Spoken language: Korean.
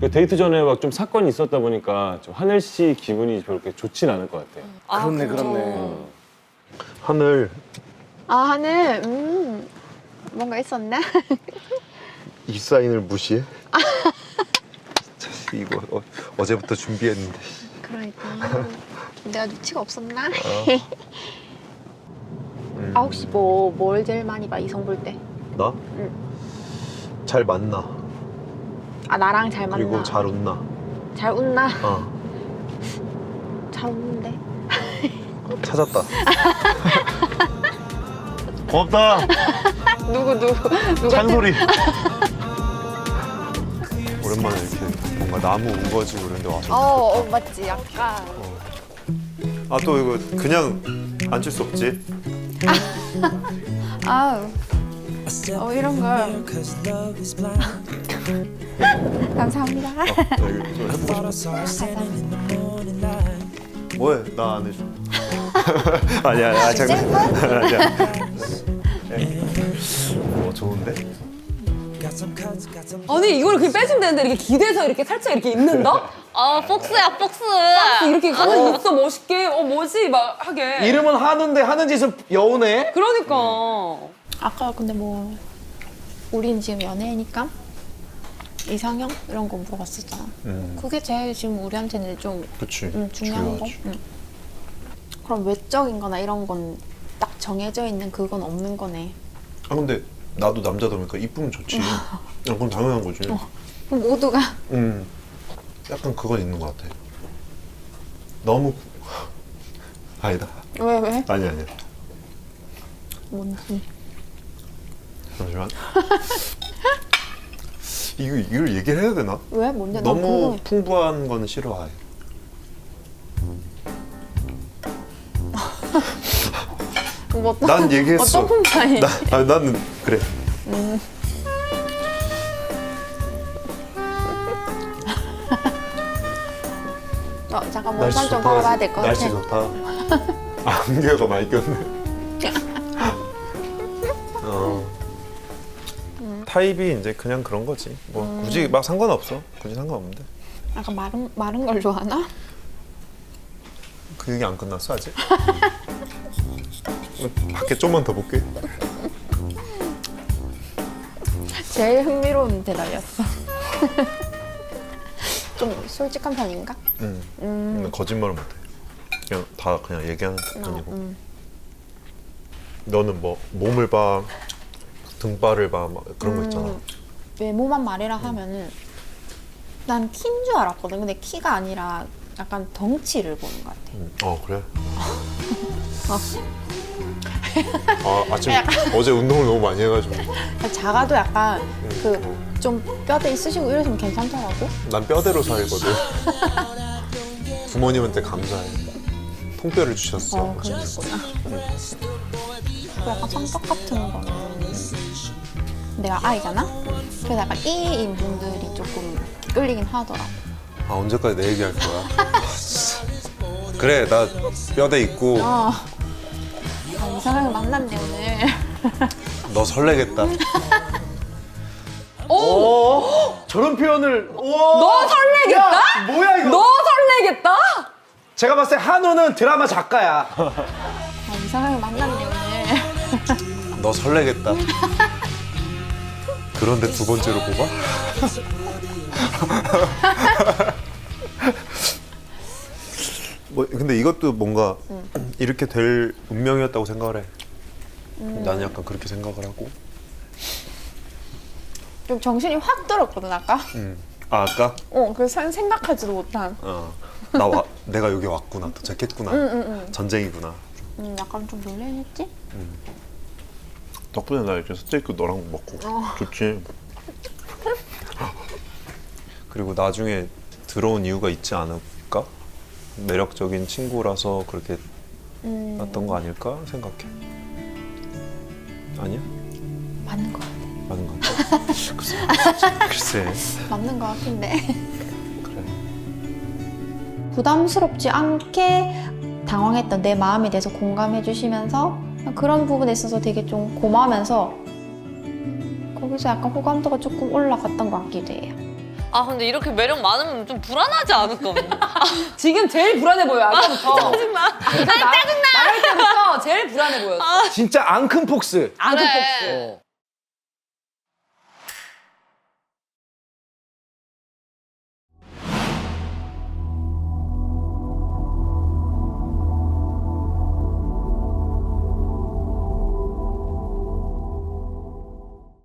데이트 전에 막 좀 사건이 있었다 보니까 좀 하늘 씨 기분이 그렇게 좋진 않을 것 같아요. 그렇네, 그렇네. 하늘 아, 하늘, 뭔가 있었나? 이 사인을 무시해? 진짜 이거 어제부터 준비했는데. 그러니까. 내가 눈치가 없었나? 아, 혹시 뭘 제일 많이 봐, 이성 볼 때? 나? 응. 잘 만나. 아, 나랑 잘 만나. 그리고 잘 웃나. 잘 웃나? 어. 잘 웃는데. 찾았다. 고맙다. 누가 찬소리. 오랜만에 이렇게 뭔가 나무 우거지고 이런 데 와서. 맞지, 약간. 아, 또 이거 그냥 앉을 수 없지? 아우. 이런 걸. 감사합니다. 나 이거 좀 해보고 싶어. 뭐해? 나 안 해줘. 아니야, 잠깐. 아니야. 좋은데? 아니 이걸 그냥 빼주면 되는데 이렇게 기대서 이렇게 살짝 이렇게 입는다? 폭스야, 폭스. 이렇게 하는 있어 멋있게 뭐지 막 하게. 이름은 한우인데 하는 짓은 여우네? 그러니까. 아까 근데 우린 지금 연애니까 이상형 이런 거 물어봤었잖아. 그게 제일 지금 우리한테는 좀 그치. 중요한 거. 중요하지. 그럼 외적인 거나 이런 건 딱 정해져 있는 그건 없는 거네. 아, 근데 나도 남자다 보니까 이쁘면 좋지. 그건 당연한 거지. 그럼 모두가 약간 그건 있는 것 같아. 너무 아니다. 왜? 아니야. 뭔지. 잠시만. 이걸 얘기를 해야 되나? 왜? 뭔데? 난 너무 궁금해. 풍부한 거는 싫어해. 난 얘기했어. 어떤 풍파이? 나는 그래. 잠깐 몸살 좀 걸어봐야 될 것 같아. 날씨 좋다. 안개가 많이 꼈네. 타입이 이제 그냥 그런 거지. 뭐 굳이 막 상관없어. 굳이 상관없는데. 약간 마른 걸 좋아하나? 그 얘기 안 끝났어 아직? 밖에 좀만 더 볼게. 제일 흥미로운 대답이었어. 좀 솔직한 편인가? 근데 거짓말을 못해. 그냥 다 그냥 얘기하는 편이고. 너는 뭐 몸을 봐, 등발을 봐, 막 그런 거 있잖아. 외모만 말이라 하면은 난 키인 줄 알았거든. 근데 키가 아니라 약간 덩치를 보는 것 같아. 그래? 아침 어제 운동을 너무 많이 해가지고. 작아도 약간 그 좀 뼈대 있으시고 이러시면 괜찮더라고. 난 뼈대로 살거든. 부모님한테 감사해. 통뼈를 주셨어. 그랬구나. 그 약간 성격 같은 거는 내가 아이잖아? 그래서 약간 E인 분들이 조금 끌리긴 하더라고. 언제까지 내 얘기할 거야? 진짜. 그래, 나 뼈대 있고. 이상하게 만났네 오늘. 너 설레겠다. 저런 표현을. 너 설레겠다? 야, 뭐야 이거? 너 설레겠다? 제가 봤을 때 한우는 드라마 작가야. 이상하게 만났네 오늘. 너 설레겠다. 그런데 두 번째로 뽑아? 근데 이것도 뭔가 이렇게 될 운명이었다고 생각을 해. 나는 약간 그렇게 생각을 하고. 좀 정신이 확 들었거든 아까. 아까? 그래서 생각하지도 못한. 내가 여기 왔구나, 도착했구나, 전쟁이구나. 약간 좀 놀래했지? 덕분에 나 이제 스테이크 너랑 먹고 좋지. 그리고 나중에 들어온 이유가 있지 않을까? 매력적인 친구라서 그렇게 났던 거 아닐까 생각해. 아니야? 맞는 것 같아. 맞는 것 같아? 글쎄. 맞는 것 같은데. 그래. 부담스럽지 않게 당황했던 내 마음에 대해서 공감해 주시면서 그런 부분에 있어서 되게 좀 고마우면서 거기서 약간 호감도가 조금 올라갔던 것 같기도 해요. 아 근데 이렇게 매력 많으면 좀 불안하지 않을까? 지금 제일 불안해 보여 아까부터. 짜증나. 나갈 때부터 제일 불안해 보였어. 진짜 앙큼폭스. 앙크폭스. 그래.